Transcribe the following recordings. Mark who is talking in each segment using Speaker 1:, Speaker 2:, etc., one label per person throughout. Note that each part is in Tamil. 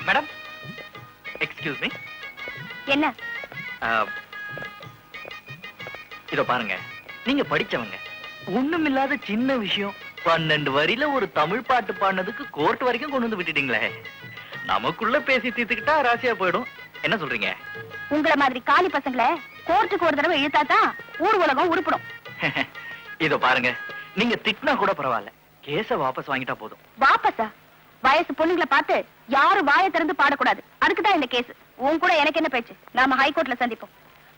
Speaker 1: Madam, excuse me.
Speaker 2: என்ன?
Speaker 1: இதோ பாருங்க, நீங்க படிச்சவங்க. ஒண்ணுமில்லாத சின்ன விஷயம் 12 வரியில ஒரு தமிழ் பாட்டு பாடினதுக்கு கோர்ட் வரைக்கும் கொண்டு வந்து விட்டுட்டீங்களே. நமக்குள்ள பேசி தீர்த்துக்கிட்டா ராசியா போயிடும். என்ன சொல்றீங்க?
Speaker 2: உங்கள மாதிரி காலி பசங்களை கோர்ட்டுக்கு ஒரு தடவை இழுத்தாதான் ஊர் உலகம் உருப்படும்.
Speaker 1: இதோ பாருங்க, நீங்க திட்டினா கூட பரவாயில்ல, கேஸ வாபஸ் வாங்கிட்டா போதும்.
Speaker 2: வாபஸா? வயசு பொண்ணுங்களை பார்த்து யாரும் வாயை திறந்து பாடக்கூடாது. அதுக்குதான் இந்த கேஸ். உன் கூட எனக்கு என்ன பேச்சு? நாம ஹைகோர்ட்ல சந்திப்போம்.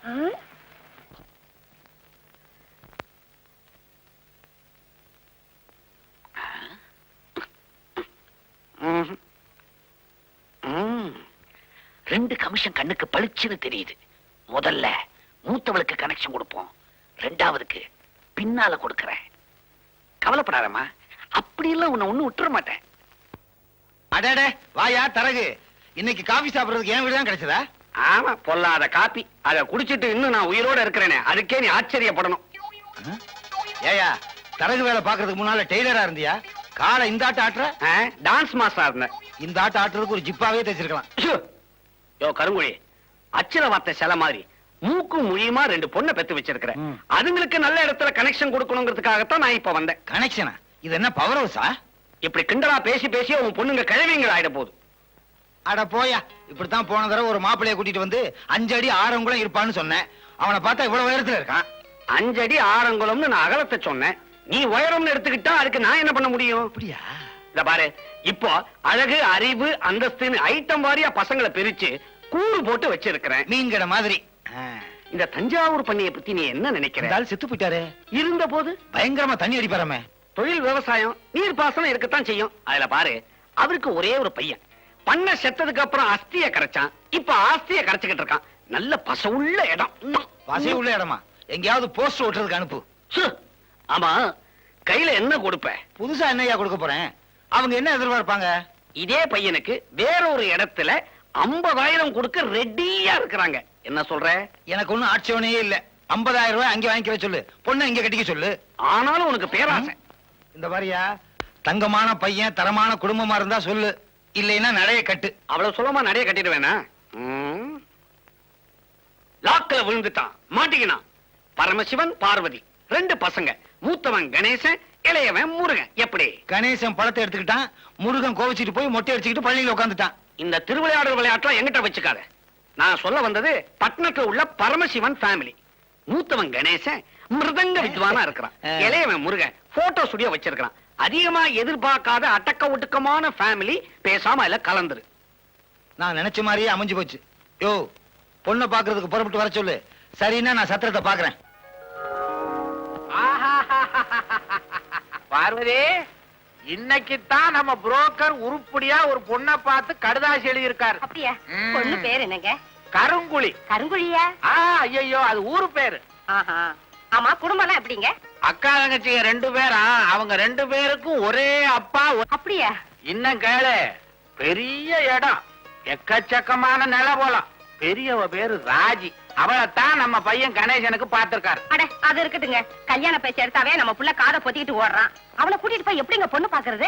Speaker 3: ரெண்டு கமிஷன் கண்ணுக்கு பளிச்சுன்னு தெரியுது. முதல்ல மூத்தவளுக்கு கனெக்ஷன் கொடுப்போம், ரெண்டாவதுக்கு பின்னால கொடுக்கறேன். கவலைப்படாதம்மா, அப்படி எல்லாம் உன்னை ஒண்ணு விட்டுற மாட்டேன்.
Speaker 4: அடடே வாயா தரகு, இன்னைக்கு காபி சாப்பிடுறதுக்கு என் வீடு தான் கிடைச்சதா?
Speaker 3: ஆமா, பொல்லாத காப்பி. அதை குடிச்சிட்டு இன்னும் நான் உயிரோட இருக்கிறேனே, அதுக்கே நீ ஆச்சரியப்படணும்.
Speaker 4: ஏயா, தரகு வேலை பாக்குறதுக்கு முன்னால டெய்லரா இருந்தியா? காலை இந்த ஆட்ட ஆட்டுற?
Speaker 3: டான்ஸ் மாஸ்டரா இருந்தேன்.
Speaker 4: இந்த ஆட்ட ஆட்டுறதுக்கு ஒரு ஜிப்பாவே தைச்சிருக்கலாம்.
Speaker 3: யோ கருங்குழி, அச்சர வார்த்தை சில மாதிரி மூக்கும் மொழியுமா ரெண்டு பொண்ணை பெத்து வச்சிருக்கிறேன். அதுங்களுக்கு நல்ல இடத்துல கனெக்ஷன் கொடுக்கணுங்கிறதுக்காகத்தான் நான் இப்ப வந்தேன்.
Speaker 4: கனெக்ஷனா? இது என்ன பவர் ஹவுஸா?
Speaker 3: இப்படி கிண்டலா பேசி பேசி உன் பொண்ணுங்க கிழவிங்கள் ஆயிட போகுது.
Speaker 4: அட போயா, இப்படித்தான் போன தடவை ஒரு மாப்பிளைய கூட்டிட்டு வந்து 5 அடி ஆறங்குளம் இருப்பான்னு சொன்னேன். அவனை பார்த்தா இவ்வளவு உயரத்துல இருக்கான்.
Speaker 3: 5 அடி ஆறங்குளம்னு நான் அகலத்தை சொன்னேன். நீ உயரம்னு எடுத்துக்கிட்டா அதுக்கு நான் என்ன பண்ண முடியும்?
Speaker 4: அப்படியா?
Speaker 3: இத பாரு, இப்போ அழகு, அறிவு, அந்தஸ்துன்னு ஐட்டம் வாரியா பசங்களை பிரிச்சு கூறு போட்டு வச்சிருக்கிறேன்.
Speaker 4: மீன் கடை மாதிரி.
Speaker 3: இந்த தஞ்சாவூர் பண்ணைய பத்தி நீ என்ன நினைக்கிற?
Speaker 4: செத்து போயிட்டாரு.
Speaker 3: இருந்த போது
Speaker 4: பயங்கரமா தண்ணி அடிப்பாராமே.
Speaker 3: தொழில் விவசாயம், நீர் பாசனம் இருக்கத்தான் செய்யும். அதுல பாரு, அவருக்கு ஒரே ஒரு பையன். பண்ண செத்ததுக்கு அப்புறம் அஸ்திய கரைச்சான், இப்ப ஆஸ்திய கரைச்சுக்கிட்டு இருக்கான். நல்ல பசவுள்ள இடம்.
Speaker 4: பசை உள்ள இடமா? எங்கேயாவது போஸ்ட் ஓட்டுறதுக்கு அனுப்பு.
Speaker 3: ஆமா, கையில என்ன கொடுப்ப?
Speaker 4: புதுசா என்னையா கொடுக்க போறேன்? அவங்க என்ன எதிர்பார்ப்பாங்க?
Speaker 3: இதே பையனுக்கு வேற ஒரு இடத்துல 50,000 கொடுக்க ரெடியா இருக்கிறாங்க. என்ன சொல்ற?
Speaker 4: எனக்கு ஒண்ணும் ஆட்சேபனையே இல்ல. 50,000 ரூபாய் அங்க வாங்கிக்க சொல்லு, பொண்ணை இங்க கட்டிக்க சொல்லு.
Speaker 3: ஆனாலும் உனக்கு பேராசை.
Speaker 4: இந்த மாதிரியா தங்கமான பையன், தரமான குடும்பமா இருந்தா சொல்லு, இல்லைன்னா நடைய கட்டு.
Speaker 3: அவ்வளவு சுலமா நடைய கட்டிடுவேனா? லாக்கில விழுந்துட்டான், மாட்டிக்கினான். பரமசிவன், பார்வதி, 2 பசங்க. மூத்தவன் கணேசன், இளையவன் முருகன். எப்படி?
Speaker 4: கணேசன் பழத்தை எடுத்துக்கிட்டான், முருகன் கோவிச்சிட்டு போய் மொட்டை அடிச்சுக்கிட்டு பள்ளியில உட்காந்துட்டான்.
Speaker 3: இந்த திருவிளையாடல் விளையாட்டுல எங்கிட்ட வச்சுக்காத. நான் சொல்ல வந்தது பட்டணத்துல உள்ள பரமசிவன் ஃபேமிலி. மூத்தவன் கணேசன் மிருதங்க வித்வானா இருக்கிறான். இளையவன் முருகன் போட்டோ ஸ்டுடியோ வச்சிருக்கான். அதிகமா எதிர்பார்க்காத அடக்க ஒடுக்கமான ஃபேமிலி. பேசாம இல்ல கலந்துரு.
Speaker 4: நான் நினைச்ச மாதிரியே அமைஞ்சு போச்சு. யோ, பொண்ணை பாக்குறதுக்கு புறப்பட்டு வர சொல்லு. சரின்னா நான் சத்திரத்தை பாக்குறேன்.
Speaker 5: பார்வதி, இன்னைக்குத்தான் நம்ம புரோக்கர் உருப்படியா ஒரு பொண்ணை பார்த்து கடுதாசி எழுதி இருக்காரு.
Speaker 2: அப்படியா? பொண்ணு பேர் என்னங்க?
Speaker 5: கருங்குழி.
Speaker 2: கருங்குழியா?
Speaker 5: ஐயோ, அது ஊரு பேரு.
Speaker 2: ஆமா, குடும்பம் எப்படிங்க?
Speaker 5: அக்கா தங்கச்சிங்க 2 பேரா? அவங்க 2 பேருக்கும் ஒரே அப்பா.
Speaker 2: அப்படியா?
Speaker 5: இன்னும் கேளு, பெரிய இடம், எக்கச்சக்கமான நில போலாம். பெரியவ பேரு ராஜி. அவளைத்தான் நம்ம பையன் கணேசனுக்கு பார்த்திருக்காரு.
Speaker 2: அட, அது இருக்கட்டுங்க. கல்யாண பேச்சு எடுத்தாவே நம்ம புள்ள காதை பொத்திக்கிட்டு ஓடுறான். அவளை கூட்டிட்டு போய் எப்படிங்க பொண்ணு பாக்குறது?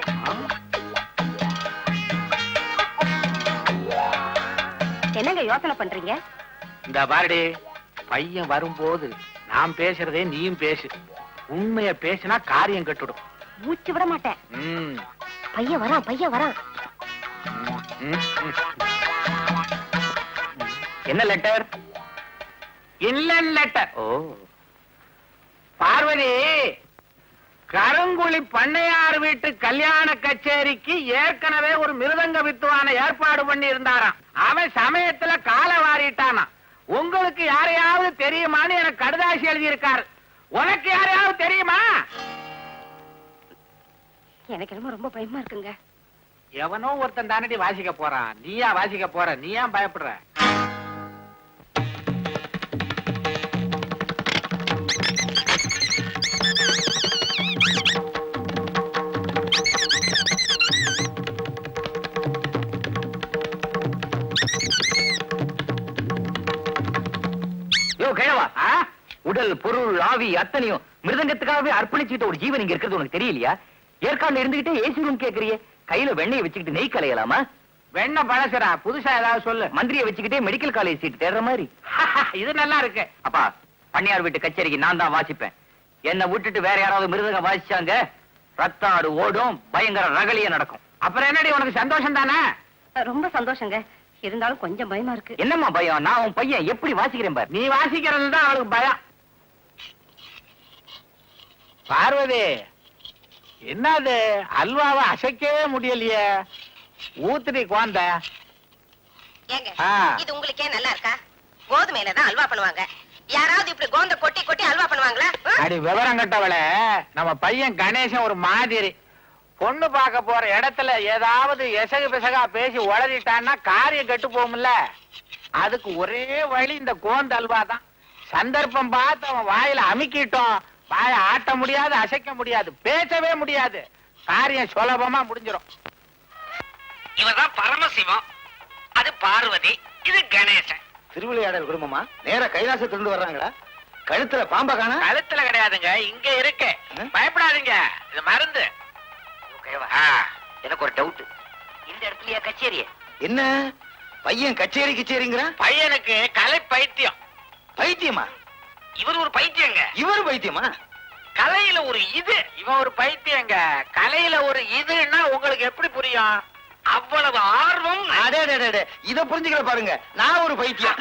Speaker 2: என்னங்க யோசனை பண்றீங்க?
Speaker 5: இந்த பாருடி, பையன் வரும்போது நான் பேசுறதே நீயும் பேசு. உண்மைய பேசினா காரியம் கட்டுடும்.
Speaker 2: மூச்சு விட மாட்டேன். பையன் வரான், பையன் வரான்.
Speaker 5: என்ன லெட்டர்? Inland letter. ஓ பார்வதி, கருங்குழி பண்ணையார் வீட்டு கல்யாண கச்சேரிக்கு ஏற்கனவே ஒரு மிருதங்க வித்துவான ஏற்பாடு பண்ணி இருந்தாராம். அவன் சமயத்துல காலை வாரிட்டானா. உங்களுக்கு யாரையாவது தெரியுமான்னு எனக்கு கடுதாசி எழுதி இருக்காரு. உனக்கு யாரையாவது தெரியுமா?
Speaker 2: எனக்கு என்னமோ ரொம்ப பயமா இருக்குங்க.
Speaker 5: எவனோ ஒருத்தன் தானடி வாசிக்க போறான். நீயா வாசிக்க போற? நீ ஏன் பயப்படுற?
Speaker 1: உடல், பொருள், ஆவி அத்தனையும் மிருதங்கத்துக்காகவே அர்ப்பணிச்சுட்டு ஒரு ஜீவன் இங்க இருக்கிறது உனக்கு தெரியலையா? ஏற்காடுல இருந்துகிட்டே ஏசி ரூம் கேக்குறியே, கையில வெண்ணெய் வச்சுக்கிட்டு நெய் கலையலாமா?
Speaker 5: வெண்ண பழசுடா, புதுசா ஏதாவது சொல்லு.
Speaker 1: மந்திரியை வச்சுக்கிட்டே மெடிக்கல் காலேஜ் சீட் தேடுற மாதிரி.
Speaker 5: இது நல்லா இருக்கு.
Speaker 1: அப்பா, பண்ணையார் வீட்டு கச்சேரிக்கு நான் தான் வாசிப்பேன். என்னை விட்டுட்டு வேற யாராவது மிருதங்க வாசிச்சாங்க, ரத்த ஆடு ஓடும், பயங்கர ரகலிய நடக்கும்.
Speaker 5: அப்புறம் என்னடி உனக்கு சந்தோஷம் தானே?
Speaker 2: ரொம்ப சந்தோஷங்க. இருந்தாலும் கொஞ்சம் பயமா இருக்கு.
Speaker 1: என்னம்மா பயம்? நான் உன் பையன் எப்படி வாசிக்கிறேன் பாரு.
Speaker 5: நீ வாசிக்கிறது தான் அவளுக்கு பயம். பார்வதி, என்னது அல்வாவை அசைக்கவே முடியலையே? ஊத்துடி குழந்த.
Speaker 6: ஏங்க, இது உங்களுக்கே நல்லா இருக்கா? கோதுமையில தான் அல்வா பண்ணுவாங்க. யாராவது இப்படி கோந்த கொட்டி கொட்டி அல்வா பண்ணுவாங்களா?
Speaker 5: அடி விவரம் கட்டவள, நம்ம பையன் கணேசன் ஒரு மாதிரி. பொண்ணு பார்க்க போற இடத்துல ஏதாவது எசகு பிசகா பேசி உளறிட்டான்னா காரியம் கெட்டு போகும்ல. அதுக்கு ஒரே வழி இந்த கோந்த அல்வா தான். சந்தர்ப்பம் பார்த்து அவன் வாயில அமுக்கிட்டோம், வாயை ஆட்ட முடியாது, அசைக்க முடியாது, பேசவே முடியாது. காரியம் சுலபமா முடிஞ்சிடும்.
Speaker 3: இவதான் பரமசிவம், அது பார்வதி, இது கணேசன்.
Speaker 4: திருவிளையாடல் குடும்பமா நேர கைலாசத்திலிருந்து வர்றாங்களா? கழுத்துல பாம்பா காணா?
Speaker 5: கழுத்துல கிடையாதுங்க, இங்க இருக்கு. பயப்படாதீங்க, இது மருந்து.
Speaker 1: எனக்கு ஒரு டவுட். இந்த இடத்துலயா கச்சேரி?
Speaker 4: என்ன பையன் கச்சேரி கிச்சேரிங்கிறான்?
Speaker 5: பையனுக்கு கலை பைத்தியம்.
Speaker 4: பைத்தியமா?
Speaker 3: இவர் ஒரு பைத்தியங்க.
Speaker 4: இவரு பைத்தியமா?
Speaker 5: கலையில ஒரு இது, இவன் ஒரு பைத்தியங்க. கலையில ஒரு இதுன்னா உங்களுக்கு எப்படி புரியும்?
Speaker 3: அவ்வளவு ஆர்வம்.
Speaker 4: அடே இத புரிஞ்சுக்கல பாருங்க, நான் ஒரு பைத்தியம்.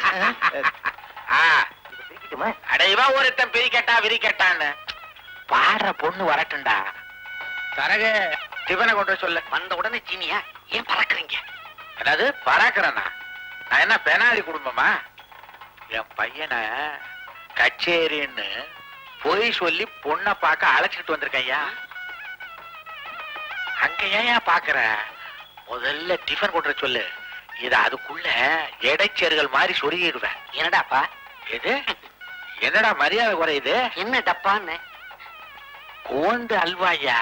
Speaker 5: அடைவா ஒருத்தன் பிரிக்கட்டா விரிக்கட்டான்னு பாடுற பொண்ணு வரட்டும்டா. தரகு டிஃபனை கொண்டு வர சொல்லு.
Speaker 3: வந்த உடனே சீனியா ஏன் பறக்குறீங்க?
Speaker 5: அதாவது பறக்கிறேன்னா நான் என்ன பெனாலி குடும்பமா? என் பையனை கச்சேரின்னு பொய் சொல்லி பொண்ணை பார்க்க அழைச்சிட்டு வந்திருக்கேன் ஐயா. அங்க ஏன் பாக்குற? முதல்ல டிஃபன் கொண்டு வர சொல்லு. இத அதுக்குள்ள இடைச்சேர்கள் மாதிரி சொருகிடுவேன்.
Speaker 3: என்னடாப்பா
Speaker 5: எது? என்னடா மரியாதை குறையுது?
Speaker 3: என்ன டப்பான்னு?
Speaker 5: கோந்து அல்வாயா?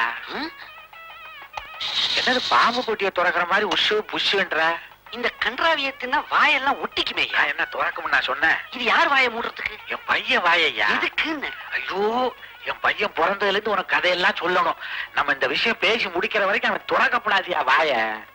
Speaker 5: என்னது பாம்பு கொட்டிய துறக்கிற மாதிரி உஷு புஷுன்ற?
Speaker 3: இந்த கன்றாவியத்தின்னா வாயெல்லாம் ஒட்டிக்குமே.
Speaker 5: நான் என்ன துறக்கும்னு நான் சொன்னேன்?
Speaker 3: இது யார் வாயை மூடுறதுக்கு?
Speaker 5: என் பையன் வாயையா?
Speaker 3: எதுக்குன்னு?
Speaker 5: ஐயோ, என் பையன் பிறந்ததுல இருந்து உனக்கு கதையெல்லாம் சொல்லணும். நம்ம இந்த விஷயம் பேசி முடிக்கிற வரைக்கும் அவன் துறக்கப்படாதியா வாய.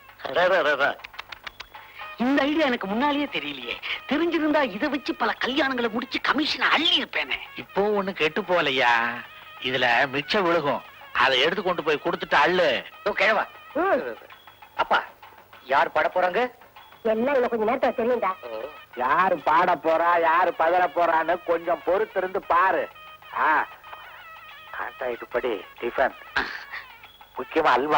Speaker 3: இந்த ஐடியா எனக்கு முன்னாலேயே தெரியலையே. தெரிஞ்சிருந்தா இதை வச்சு பல கல்யாணங்களை முடிச்சு கமிஷன் அள்ளி இருப்பேனே.
Speaker 5: இப்போ ஒண்ணு கெட்டு போகலையா? இதுல மிச்சம் விழுகும், அதை எடுத்து கொண்டு போய் கொடுத்துட்டு அள்ளு.
Speaker 1: கேவா அப்பா, யார் பாட போறாங்க?
Speaker 2: எல்லாம் இன்னும் கொஞ்சம் நேரத்துல தெரியும்டா.
Speaker 5: யாரு பாட போறா, யாரு பதற போறான்னு கொஞ்சம் பொறுத்து இருந்து பாரு. கான்ட்ராக்ட் படி டிஃபன், முக்கியமா அல்வா.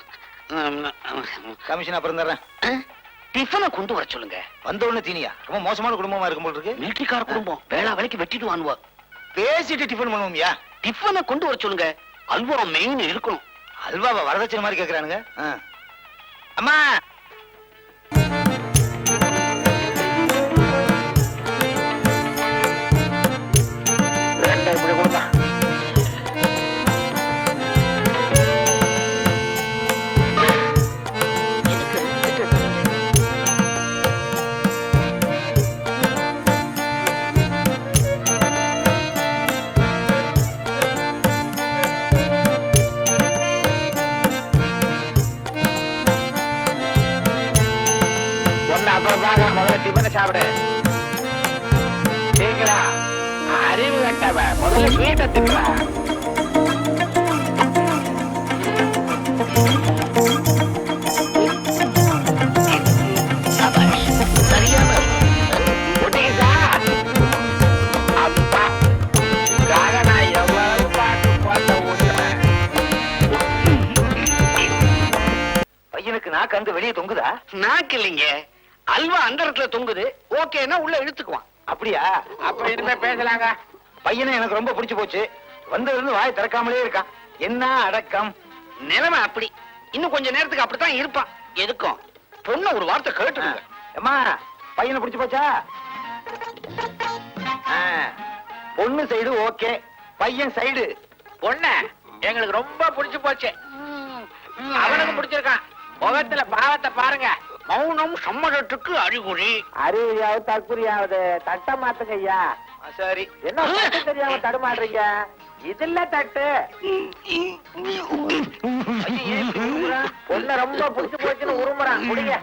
Speaker 4: கமிஷன் அப்புறம் தர்றேன்.
Speaker 3: டிஃபனை கொண்டு வர சொல்லுங்க.
Speaker 4: வந்த உடனே தீனியா? ரொம்ப மோசமான குடும்பமா இருக்கும் போல இருக்கு.
Speaker 3: மிலிட்டரிக்கார குடும்பம், வேளா வேலைக்கு வெட்டிட்டு வாங்குவா.
Speaker 4: பேசிட்டு டிஃபன் பண்ணுவோம்யா.
Speaker 3: டிஃபனை கொண்டு வர சொல்லுங்க. அல்வா மெயின் இருக்கணும்.
Speaker 4: அல்வாவை வரதட்சணை மாதிரி கேக்குறானுங்க. அம்மா,
Speaker 5: இப்படி கொடுமா. அப்புறம் பாக்க, முதல்ல டிஃபனை சாப்பிடு. சீக்கிரம். அறிவு கட்டவ, முதல்ல ஸ்வீட்டை தின்னுடா.
Speaker 3: சரியான
Speaker 5: ஒட்டிக்கிட்டா? அப்பா, இதுக்காக நான் எவ்வளவு பாட்டு போட்ட ஊத்துறேன்.
Speaker 1: பையனுக்கு நாக்கு அங்க வெளியே தொங்குதா?
Speaker 3: நாக்கு இல்லைங்க, அல்வா அந்த இடத்துல தொங்குது. ஓகேன்னா உள்ள இழுத்துக்குவான்.
Speaker 4: அப்படியா?
Speaker 5: அப்ப இனிமே பேசலாங்க.
Speaker 4: பையனை எனக்கு ரொம்ப பிடிச்சு போச்சு. வந்ததுல இருந்து வாய் திறக்காமலே இருக்கான். என்ன அடக்கம்!
Speaker 3: நிலைமை அப்படி. இன்னும் கொஞ்ச நேரத்துக்கு அப்படித்தான் இருப்பான். எதுக்கும் பொண்ணு ஒரு வார்த்தை கேட்டுடுங்க.
Speaker 4: அம்மா, பையனை பிடிச்சு போச்சா? பொண்ணு சைடு ஓகே, பையன் சைடு.
Speaker 5: பொண்ணு எங்களுக்கு ரொம்ப பிடிச்சு போச்சு. அவனுக்கு பிடிச்சிருக்கான். முகத்துல பாவத்தை பாருங்க.
Speaker 3: மௌனம் சம்மதத்துக்கு அறிகுறி.
Speaker 5: அறிவியாவது தற்குறியாவது தட்ட மாத்துங்க ஐயா.
Speaker 4: சரி,
Speaker 5: என்ன தெரியாம தடுமாடுறீங்க? இதுல தட்டு பொண்ண ரொம்ப புடிச்சு போச்சுன்னு உருமுறான் முடிய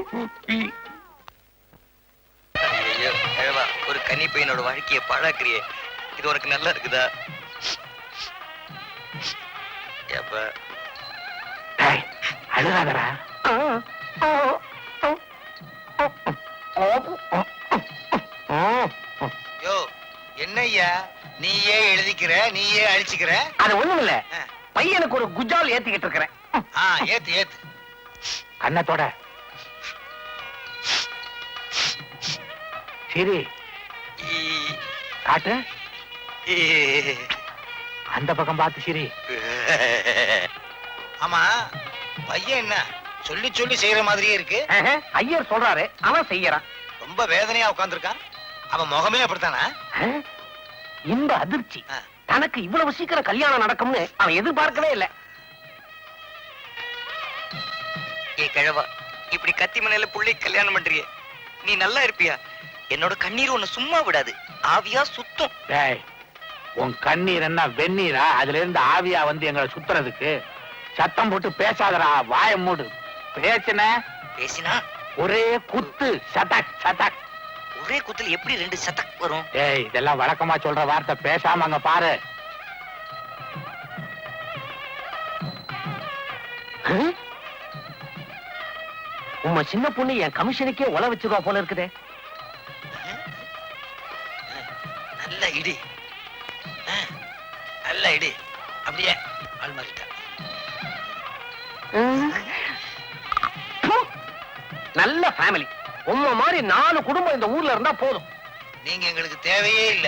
Speaker 1: ஐயோ கிழவா, ஒரு கன்னி பையனோட வாழ்க்கையை பாழாக்குறியே. இது உனக்கு நல்லா இருக்குதா? ஏப்பா
Speaker 5: அழுகாதரா
Speaker 4: யோ என்னய்யா நீயே எழுதிக்கிற நீயே அழிச்சுக்கிற?
Speaker 3: அது ஒண்ணும் இல்ல, பையனுக்கு ஒரு குஜால் ஏத்திக்கிட்டு இருக்கிறேன்.
Speaker 4: ஏத்து ஏத்து.
Speaker 5: கண்ணத்தோட சரி காட்டு, அந்த பக்கம் பார்த்து சரி.
Speaker 4: ஆமா பையன் என்ன சொல்லி சொல்லி செய்யற மாதிரியே இருக்கு.
Speaker 3: ஐயர் சொல்றாரு, அவன் செய்யறான்.
Speaker 4: ரொம்ப வேதனையா உட்கார்ந்திருக்கான். அவன் முகமே அப்படித்தானா?
Speaker 3: இந்த அதிர்ச்சி
Speaker 4: ஆ.
Speaker 3: தனக்கு இவ்வளவு சீக்கிரம் கல்யாணம் நடக்கும்னு அவன் எதிர்பார்க்கவே இல்ல.
Speaker 1: ஏ கிழவா, இப்படி கத்தி மனையில புள்ளை கல்யாணம் பண்றியே, நீ நல்லா இருப்பியா? என்னோட கண்ணீர் உன்னை சும்மா விடாது, ஆவியா சுத்தம்.
Speaker 5: டேய், உன் கண்ணீர் என்ன வெந்நீரா? அதுல இருந்து ஆவியா வந்து எங்களை சுத்துறதுக்கு? சத்தம் போட்டு பேசாதடா, வாய மூடு. பேசுன
Speaker 1: பேசினா
Speaker 5: ஒரே குத்து, சதக் சதக்.
Speaker 1: ஒரே குத்துல எப்படி 2 சதக் வரும்?
Speaker 5: டேய், இதெல்லாம் வழக்கமா சொல்ற வார்த்தை, பேசாம அங்க பாரு.
Speaker 3: உம்ம சின்ன பொண்ணு என் கமிஷனுக்கே உல வச்சிருவா போல இருக்குதே.
Speaker 4: நல்ல இடி, நல்ல இடி. அப்படியே ஆள் மாறிட்டா.
Speaker 3: நல்ல ஃபேமிலி. உம்ம மாதிரி 4 குடும்பம் இந்த ஊர்ல இருந்தா போதும்.
Speaker 4: நீங்க எங்களுக்கு தேவையே இல்ல.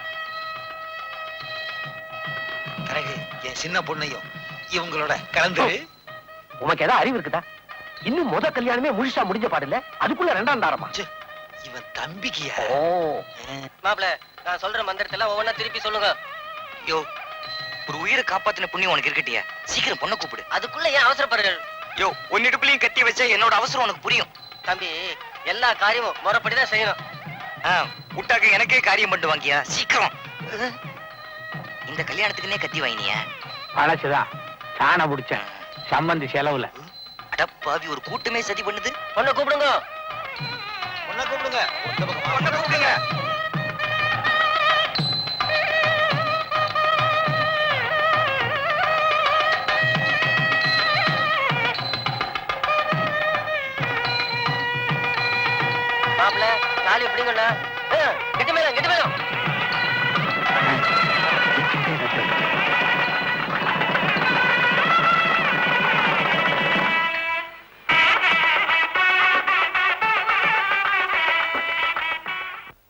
Speaker 4: கரகு என் சின்ன பொண்ணையும் இவங்களோட கலந்து.
Speaker 3: உனக்கு ஏதாவது அறிவு இருக்குதா? இன்னும் முத கல்யாணமே முழுசா முடிஞ்ச பாடல, அதுக்குள்ள 2ஆம் தாரமா?
Speaker 4: இவன் தம்பிக்கியா?
Speaker 3: ஓ,
Speaker 6: மாப்பிள, நான் சொல்ற மந்திரத்துல ஒவ்வொன்னா திருப்பி சொல்லுங்க.
Speaker 1: யோ, ஒரு உயிரை காப்பாத்தின புண்ணியம் உனக்கு இருக்கட்டியா? சீக்கிரம் பொண்ணை கூப்பிடு.
Speaker 6: அதுக்குள்ள ஏன் அவசரப்படுறீர்கள்?
Speaker 1: யோ, உன் இடுப்புலயும் கத்தி வச்சா என்னோட அவசரம் உனக்கு புரியும்.
Speaker 6: தம்பி, எல்லா காரியமும் முறைப்படிதான் செய்யணும்.
Speaker 1: விட்டாக்க எனக்கே காரியம் பண்ணிட்டு வாங்கியா, சீக்கிரம். இந்த கல்யாணத்துக்குன்னே கத்தி வாங்கினியா?
Speaker 5: பழசுதான், சாண பிடிச்சேன் சம்பந்தி செலவுல.
Speaker 1: அடப்பாவி, ஒரு கூட்டமே சதி பண்ணுது.
Speaker 6: பொண்ணை கூப்பிடுங்க.
Speaker 4: பொண்ணை கூப்பிடுங்க.
Speaker 1: பொண்ணை கூப்பிடுங்க.
Speaker 6: மாப்பிள, தாலி எப்படிங்கண்ணா? கெட்டி மேலம், கெட்டி மேலம்.